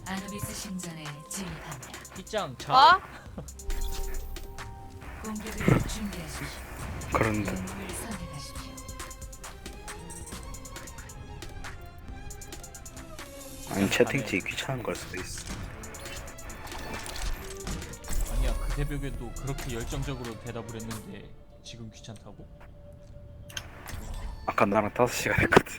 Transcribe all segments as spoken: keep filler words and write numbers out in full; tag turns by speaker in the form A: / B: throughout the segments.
A: 아누비스 신전에 진입합니다.
B: 빗장 자.
C: 어?
A: 공격을 준비하십시오.
D: 그런데
A: 영웅을 선택하십시오.
D: 아니 채팅치 귀찮은 걸 수도 있어.
B: 아니야 그 새벽에도 그렇게 열정적으로 대답을 했는데 지금 귀찮다고?
D: 아까 나랑 다섯 시간 했거든.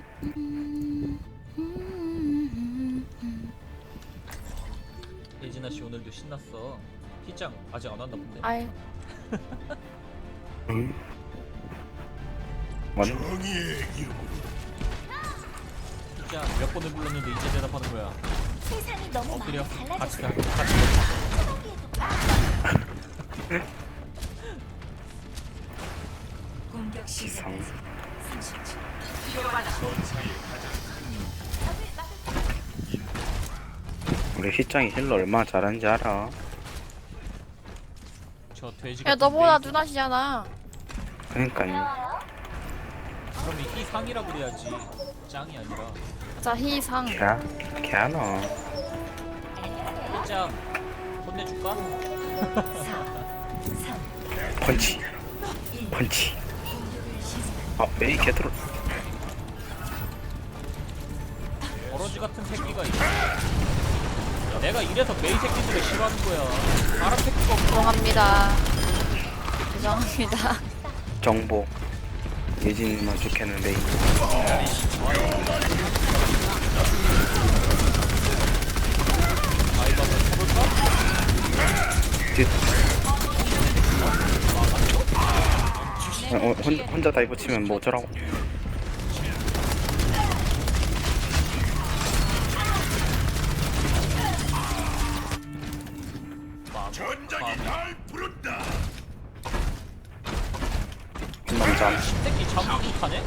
B: 예진아 씨 오늘도 신났어. 빗장 아직 안 왔나 본데.
C: 아이
D: 응? 맞네.
B: 빗장 몇 번을 불렀는데 이제 대답하는 거야.
E: 세상이 너무
B: 엎드려.
E: 많이
B: 같이 가.
E: 달라졌어.
B: 같이
A: 공격 시작.
D: 이상.
A: 삼십 초.
D: 우리 희짱이 힐러 얼마나 잘하는지 알아?
B: 저 돼지.
C: 야
B: 같은
C: 너보다
B: 메이드.
C: 누나시잖아.
D: 그러니까요.
B: 그럼 이 상이라 그래야지. 짱이 아니라.
C: 자 희상.
D: 걔, 걔하나.
B: 빗장 혼내줄까?
A: 사, 삼,
D: 펀치. 펀치.
A: 공격을 시작.
D: 아 메이 개들어.
B: 버러지 같은 새끼가 있어. 내가 이래서 메이 새끼들을 싫어하는 거야. 사람 새끼가 없어.
C: 죄송합니다. 죄송합니다.
D: 정보. 예진이만 좋겠는 메이.
B: 아이가 한번 쳐볼까?
D: 뒤. 어, 어, 혼, 혼자 다이브 치면 뭐 어쩌라고.
B: 전장이 날
D: 남자.
B: 새끼 잠수 타네?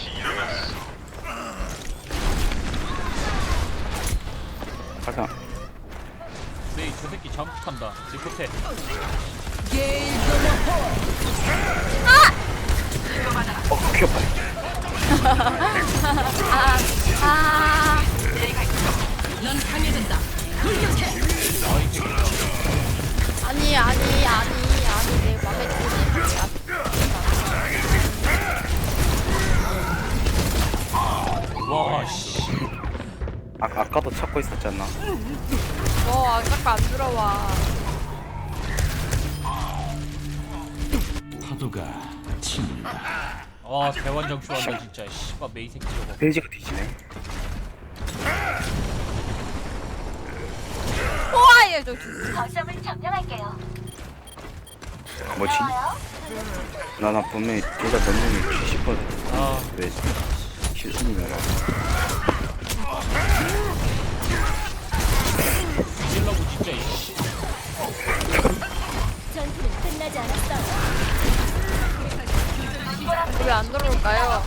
D: 가자.
B: 메이 저 새끼 잠수 탄다. 리포테.
D: 어 귀엽다.
C: 아 아니 아니 아니 아니 내 맘에 들지
B: 와 씨.
D: 아 아까도 찾고 있었잖아.
C: 너 아까 안 들어와.
B: 아 대환장 좋아한다 진짜. 씨발 메이 새끼 저거.
D: 페이지가 뒤지네.
C: 우와 얘 저.
E: 거점을 점령할게요.
D: 뭐지? 나나 분명히 둘다 넘는 칠십 퍼센트.
B: 아
D: 왜 실수니까.
B: 찔러고 진짜 이씨.
E: 전투는 끝나지 않았어요.
C: 왜 안 들어올까요?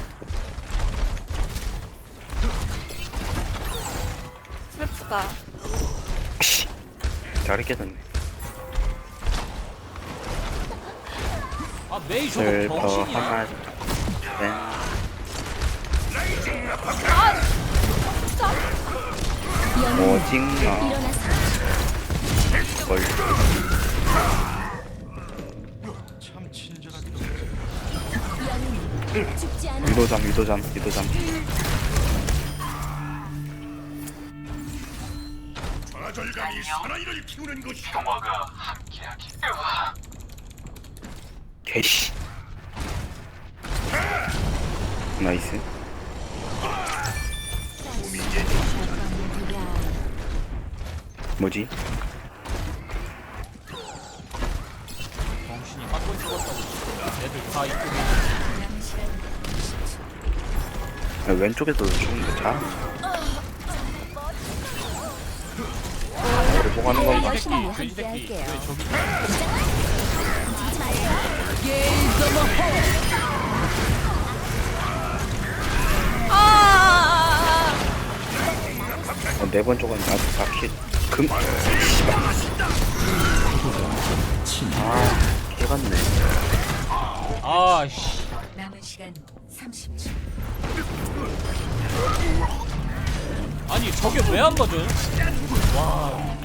C: 슬프다.
D: 씨. 자리 깨졌네.
B: 아 메이 저거
D: 슬퍼
B: 병신이야.
D: 하나. 네. 오징어.
E: 일어나서
D: 뭘.
E: 죽지 않아.
D: 유도잠 유도잠 유도잠. 개씨. 나이스. 뭐지?
B: 병신이 한번 죽었다고 진짜. 애들 다 이쪽에.
A: 남은 시간 삼십 초.
D: 야, 왼쪽에도 죽는데 잘. 우리 뭐 하는 건가?
B: 돼지 새끼 돼지 새끼. 왜 저기
C: 아.
D: 어, 네번 쪽은 아직 바퀴 금. 씨발. 아, 개같네.
B: 아씨.
A: 남은 시간 삼십 초.
B: 아니 저게 왜 안 맞아요? 와.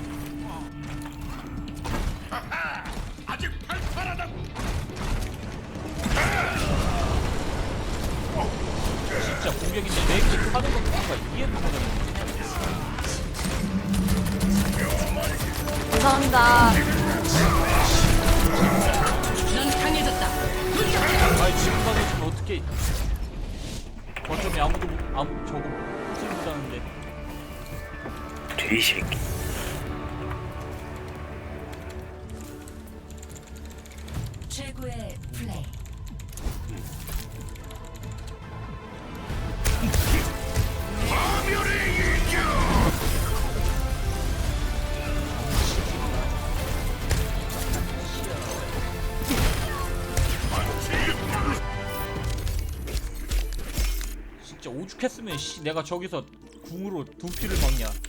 B: 진짜 공격인데 왜 이렇게 하는 거 뭔가 이해를 못하겠네.
C: 감사합니다.
B: 아니 지금 가서 지금 어떻게 거점에 아무도 못- 아무 저거 킬 못하는데.
D: 돼지 새끼.
A: 최고의 플레이.
B: 진짜 오죽했으면 씨 내가 저기서 궁으로 두피를 막냐.